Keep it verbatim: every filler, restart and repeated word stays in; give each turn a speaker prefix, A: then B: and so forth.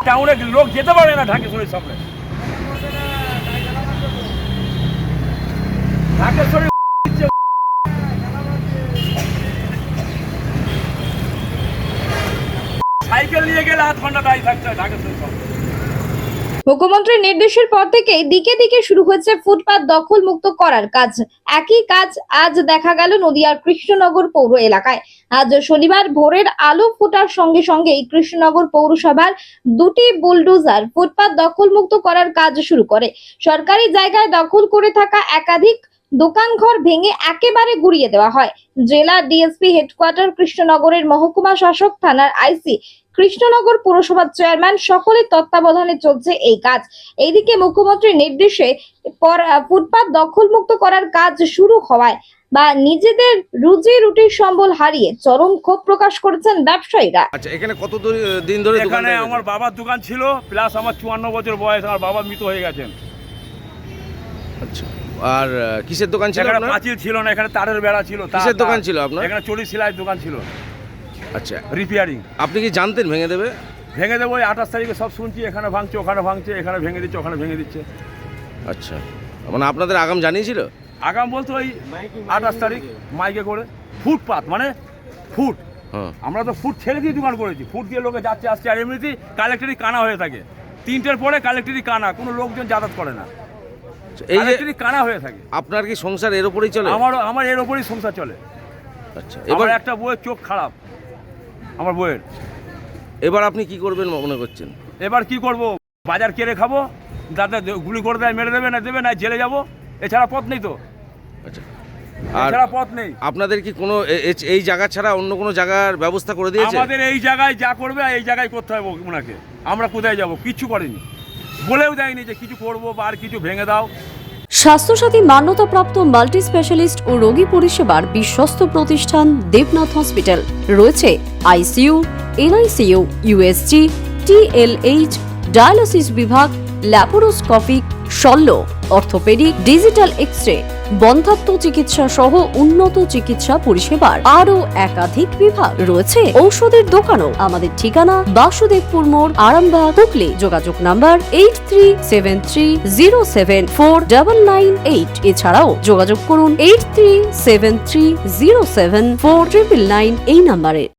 A: টাউনে লোক যেতে পারে না ঢাকেশ্বরীর সামনে। ঢাকেশ্বরী সাইকেল নিয়ে গেলে আধ ঘন্টা দাঁড়িয়ে থাকতে হয় ঢাকেশ্বরীর সামনে।
B: মুখ্যমন্ত্রীর নির্দেশের পর থেকে দিকে দিকে শুরু হয়েছে ফুটপাত দখল মুক্ত করার কাজ। একই কাজ আজ দেখা গেল নদিয়ার কৃষ্ণনগর পৌর এলাকায়। আজ শনিবার ভোরের আলো ফোটার সঙ্গে সঙ্গেই কৃষ্ণনগর পৌরসভার দুটি বুলডোজার ফুটপাত দখল মুক্ত করার কাজ শুরু করে। সরকারি জায়গায় দখল করে থাকা একাধিক দোকানঘর ভেঙে একেবারে গুড়িয়ে দেওয়া হয়। জেলা ডিএসপি হেডকোয়ার্টার কৃষ্ণনগরের মহকুমা শাসক, থানার আইসি, কৃষ্ণনগর পুরসভার চেয়ারম্যান সকলের তত্ত্বাবধানে চলছে এই কাজ। এইদিকে মুখ্যমন্ত্রীর নির্দেশে পর ফুটপাত দখল মুক্ত করার কাজ শুরু হওয়ায় বা নিজেদের রুজি রুটির সম্বল হারিয়ে চরম ক্ষোভ প্রকাশ করেছেন ব্যবসায়ীরা।
C: আচ্ছা, এখানে কত দিন ধরে
A: এখানে আমার বাবার দোকান ছিল, প্লাস আমার চুয়ান্ন বছর বয়স, আমার বাবা মৃত হয়ে গেছেন।
C: আচ্ছা, আর কিসের দোকান ছিল
A: এখানে
C: আপনার?
A: পাঁচিল ছিল না, এখানে তারের বেড়া ছিল।
C: কিসের দোকান ছিল আপনার?
A: এখানে চড়ি সেলাইয়ের দোকান ছিল।
C: আচ্ছা,
A: রিপেয়ারিং।
C: আপনি কি জানতেন ভেঙে দেবে?
A: ভেঙে দেবো, আঠাশ তারিখে সব শুনছি, এখানে ভাঙছে, ওখানে ভাঙছে, এখানে ভেঙে দিচ্ছে, ওখানে ভেঙে দিচ্ছে।
C: আচ্ছা, মানে আপনাদের আগাম জানিয়েছিল?
A: আগাম বলতো ওই আঠাশ তারিখ মাইকে করে ফুটপাত মানে ফুট,
C: হ্যাঁ,
A: আমরা তো ফুট ছেড়ে দিয়ে দোকান করেছি। ফুট দিয়ে লোকে যাচ্ছে আসছে, আর এমনিতেই কালেক্টরি কানা হয়ে থাকে। তিনটের পরে কালেক্টরি কানা, কোনো লোকজন যাতায়াত করে না,
C: এই যে
A: কালেক্টরি কানা হয়ে থাকে।
C: আপনার কি সংসার এর উপরেই চলে?
A: আমার আমার এর ওপরই সংসার চলে।
C: আচ্ছা,
A: এবার
C: এবার
A: একটা বইয়ের চোখ খারাপ, আমার বইয়ের।
C: এবার আপনি কি করবেন মনে করছেন?
A: এবার কি করব, বাজার কেড়ে খাবো, যাতে গুলি করে দেয়, মেরে দেবে না দেবে না, জেলে যাবো, এছাড়া পথ নেই তো।
C: আচ্ছা, আর
A: এছাড়া পথ নেই।
C: আপনাদের কি কোনো এ- এ- এই জায়গা ছাড়া অন্য কোনো জায়গার ব্যবস্থা করে দিয়েছে?
A: আমাদের এই জায়গায় যা করবে এই জায়গায় করতে হবে ওনাকে। আমরা কোথায় যাব, কিচ্ছু করেনি, বলেও দেয়নি যে কিছু করবো বা আর কিছু ভেঙে দাও।
D: স্বাস্থ্যসাথী মান্যতাপ্রাপ্ত মাল্টি স্পেশালিস্ট ও রোগী পরিষেবার বিশ্বস্ত প্রতিষ্ঠান দেবনাথ হসপিটাল। রয়েছে ICU, NICU, USG, TLH, dialysis বিভাগ, ল্যাপারোস্কোপিক, শল্য, অর্থোপেডিক, ডিজিটাল এক্স-রে, বন্ধ্যাত্ব চিকিৎসা সহ উন্নত চিকিৎসা পরিষেবার আরও একাধিক বিভাগ। রয়েছে ঔষধের দোকানও। আমাদের ঠিকানা বাসুদেবপুর মোড়, আরামবাগ, হুগলি। যোগাযোগ number eight three seven three zero seven four double nine eight. এছাড়াও যোগাযোগ করুন eight three seven three zero seven four triple nine এই নাম্বারে।